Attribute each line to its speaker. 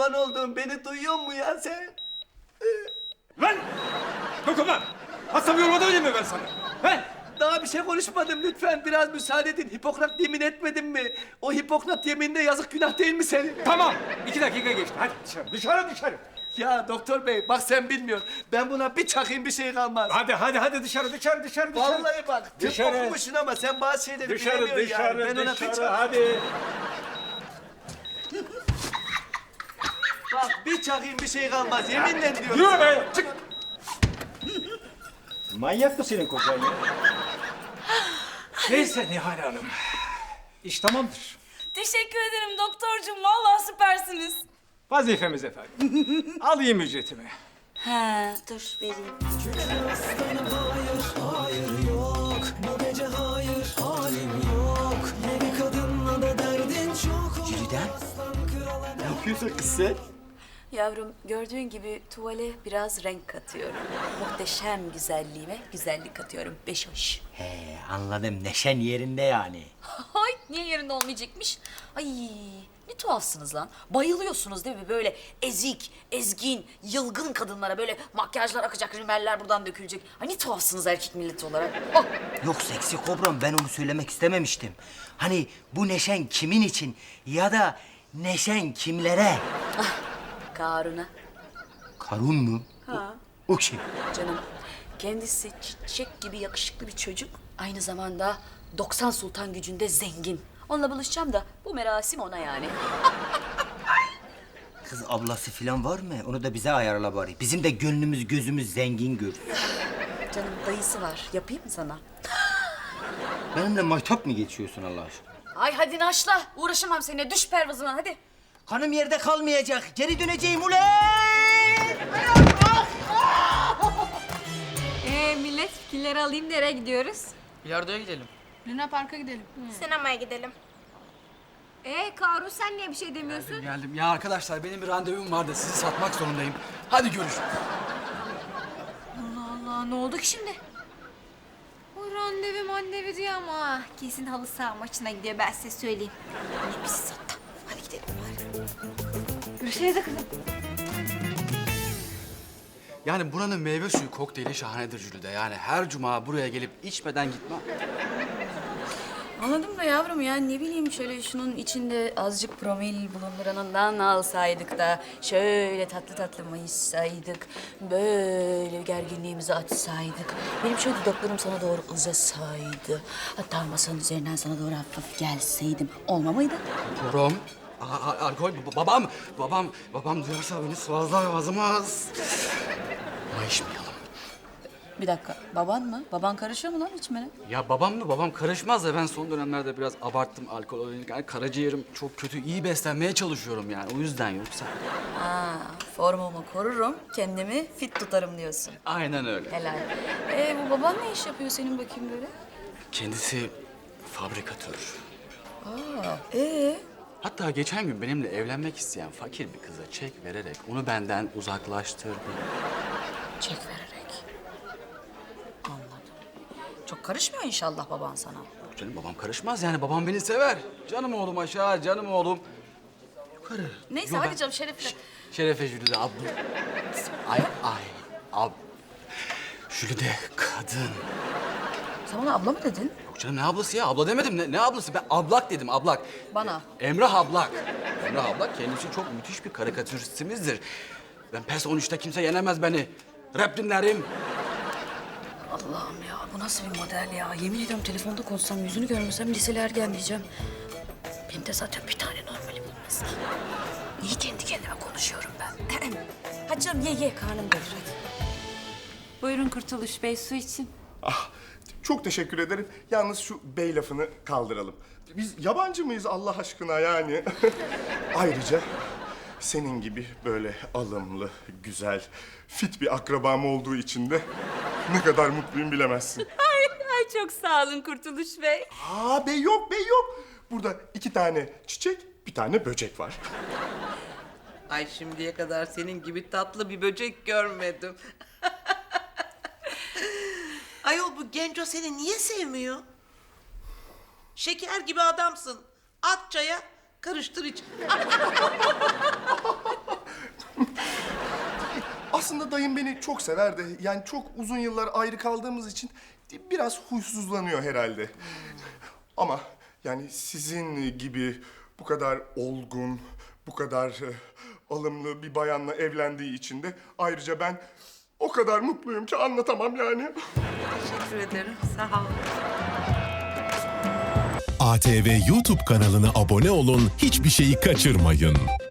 Speaker 1: kurban olduğum, beni duyuyor mu ya sen?
Speaker 2: Lan! Dokunma! Hastamı yormadan öyle mi ben sana? He?
Speaker 1: Daha bir şey konuşmadım, lütfen biraz müsaade edin. Hipokrat yemin etmedin mi? O Hipokrat yemininde yazık, günah değil mi senin?
Speaker 2: Tamam. 2 dakika geçti. Hadi dışarı, dışarı, dışarı.
Speaker 1: Ya doktor bey, bak sen bilmiyorsun. Ben buna bir çakayım, bir şey kalmaz.
Speaker 2: Hadi dışarı, dışarı, dışarı.
Speaker 1: Vallahi bak, tıp
Speaker 2: Dışarı.
Speaker 1: okumuşsun ama sen bazı şeyleri
Speaker 2: Dışarı,
Speaker 1: bilemiyorsun
Speaker 2: dışarı,
Speaker 1: yani. Ben ona bir
Speaker 2: dışarı,
Speaker 1: çak...
Speaker 2: hadi.
Speaker 1: Bak bir çakayım, bir şey kalmaz. Yeminle diyorum.
Speaker 2: Yürü be, çık. Manyak mı senin kocan ya? Neyse Nihal Hanım. İş tamamdır.
Speaker 3: Teşekkür ederim doktorcuğum. Vallahi süpersiniz.
Speaker 2: Vazifemiz efendim. Alayım ücretimi.
Speaker 3: He, dur vereyim.
Speaker 1: Jüliden, ne yapıyorsun kız sen?
Speaker 3: Yavrum gördüğün gibi tuvale biraz renk katıyorum. Muhteşem güzelliğime güzellik katıyorum. Beş hoş.
Speaker 4: He, anladım. Neşen yerinde yani.
Speaker 3: Ay niye yerinde olmayacakmış? Ay ne tuhafsınız lan. Bayılıyorsunuz değil mi? Böyle ezik, ezgin, yılgın kadınlara böyle makyajlar akacak, rimeller buradan dökülecek. Ay ne tuhafsınız erkek milleti olarak. Oh.
Speaker 4: Yok seksi kobram, ben onu söylemek istememiştim. Hani bu neşen kimin için ya da neşen kimlere?
Speaker 3: Karuna.
Speaker 4: Karun mu?
Speaker 3: Ha.
Speaker 4: O kim?
Speaker 3: Canım kendisi çiçek gibi yakışıklı bir çocuk. Aynı zamanda 90 sultan gücünde zengin. Onunla buluşacağım da bu merasim ona yani.
Speaker 4: Kız ablası falan var mı? Onu da bize ayarla bari. Bizim de gönlümüz gözümüz zengin gör.
Speaker 3: Canım dayısı var. Yapayım mı sana?
Speaker 4: Benimle maytap mı geçiyorsun Allah aşkına?
Speaker 3: Ay hadi naşla. Uğraşamam seninle. Düş pervazına hadi.
Speaker 4: Kanım yerde kalmayacak. Geri döneceğim ulan!
Speaker 5: Millet fikirleri alayım, nereye gidiyoruz?
Speaker 6: Bilardo'ya gidelim.
Speaker 5: Luna Park'a gidelim.
Speaker 7: Sinemaya gidelim.
Speaker 5: Karun sen niye bir şey demiyorsun?
Speaker 6: Geldim. Ya arkadaşlar benim bir randevum vardı. Sizi satmak zorundayım. Hadi görüşürüz.
Speaker 5: Allah Allah, ne oldu ki şimdi? O randevu diyor ama kesin halı saha maçına gidiyor, ben size söyleyeyim.
Speaker 3: Ne bizi sattı. Hadi gidelim bari.
Speaker 5: Görüşürüz de kızım.
Speaker 6: Yani buranın meyve suyu kokteyli şahanedir Jülide. Yani her cuma buraya gelip içmeden gitmem.
Speaker 3: Anladım da yavrum ya ne bileyim şöyle şunun içinde azıcık promil bulunduranından alsaydık da şöyle tatlı tatlı mayışsaydık, böyle gerginliğimizi açsaydık, benim şöyle dudaklarım sana doğru uzasaydı, hatta masanın üzerinden sana doğru hafif gelseydim olma mıydı?
Speaker 6: Rom, alkol, babam duyarsa beni sıvazlar vazımaz. Mayışmayalım.
Speaker 3: Bir dakika baban mı? Baban karışıyor mu lan içmene?
Speaker 6: Ya babam mı? Babam karışmaz da ben son dönemlerde biraz abarttım alkol olayını. Yani karaciğerim çok kötü. İyi beslenmeye çalışıyorum yani. O yüzden yoksa.
Speaker 3: Ha, formumu korurum, kendimi fit tutarım diyorsun.
Speaker 6: Aynen öyle.
Speaker 3: Helal. Bu baban ne iş yapıyor senin bakayım böyle?
Speaker 6: Kendisi fabrikatör.
Speaker 3: Ee?
Speaker 6: Hatta geçen gün benimle evlenmek isteyen fakir bir kıza çek vererek onu benden uzaklaştırdı.
Speaker 3: Çek vererek. Anladım. Çok karışmıyor inşallah baban sana.
Speaker 6: Yok canım babam karışmaz yani babam beni sever. Canım oğlum aşağı, canım oğlum yukarı.
Speaker 3: Neyse
Speaker 6: Yo,
Speaker 3: hadi
Speaker 6: ben-
Speaker 3: canım şerefle.
Speaker 6: Şerefe Jülide abla. Ab. Jülide kadın.
Speaker 3: Sen bana abla mı dedin?
Speaker 6: Yok canım ne ablası ya? Abla demedim. Ne ablası? Ben ablak dedim, ablak.
Speaker 3: Bana.
Speaker 6: Emrah Ablak. Emrah Ablak kendisi çok müthiş bir karikatüristimizdir. Ben PES 13'te kimse yenemez beni. Rap dinlerim.
Speaker 3: Allah'ım ya bu nasıl bir model ya? Yemin ediyorum telefonda konuşsam yüzünü görmesem liseli ergen diyeceğim. Benim de zaten bir tane normali bulmaz ki. Niye kendi kendime konuşuyorum ben? Hadi canım ye karnım doyur hadi.
Speaker 5: Buyurun Kurtuluş Bey, su için.
Speaker 8: Ah, çok teşekkür ederim. Yalnız şu bey lafını kaldıralım. Biz yabancı mıyız Allah aşkına yani? Ayrıca senin gibi böyle alımlı, güzel, fit bir akrabam olduğu için de ne kadar mutluyum bilemezsin.
Speaker 5: Ay çok sağ olun Kurtuluş Bey.
Speaker 8: Aa bey yok, bey yok. Burada 2 tane çiçek, bir tane böcek var.
Speaker 9: Ay şimdiye kadar senin gibi tatlı bir böcek görmedim. Ayol bu genco seni niye sevmiyor? Şeker gibi adamsın. At çaya, karıştır iç.
Speaker 8: dayım beni çok sever de yani çok uzun yıllar ayrı kaldığımız için biraz huysuzlanıyor herhalde. Ama yani sizin gibi bu kadar olgun, bu kadar alımlı bir bayanla evlendiği için de ayrıca ben o kadar mutluyum ki anlatamam yani.
Speaker 9: Teşekkür ederim. Sağ ol.
Speaker 7: ATV YouTube kanalına abone olun, hiçbir şeyi kaçırmayın.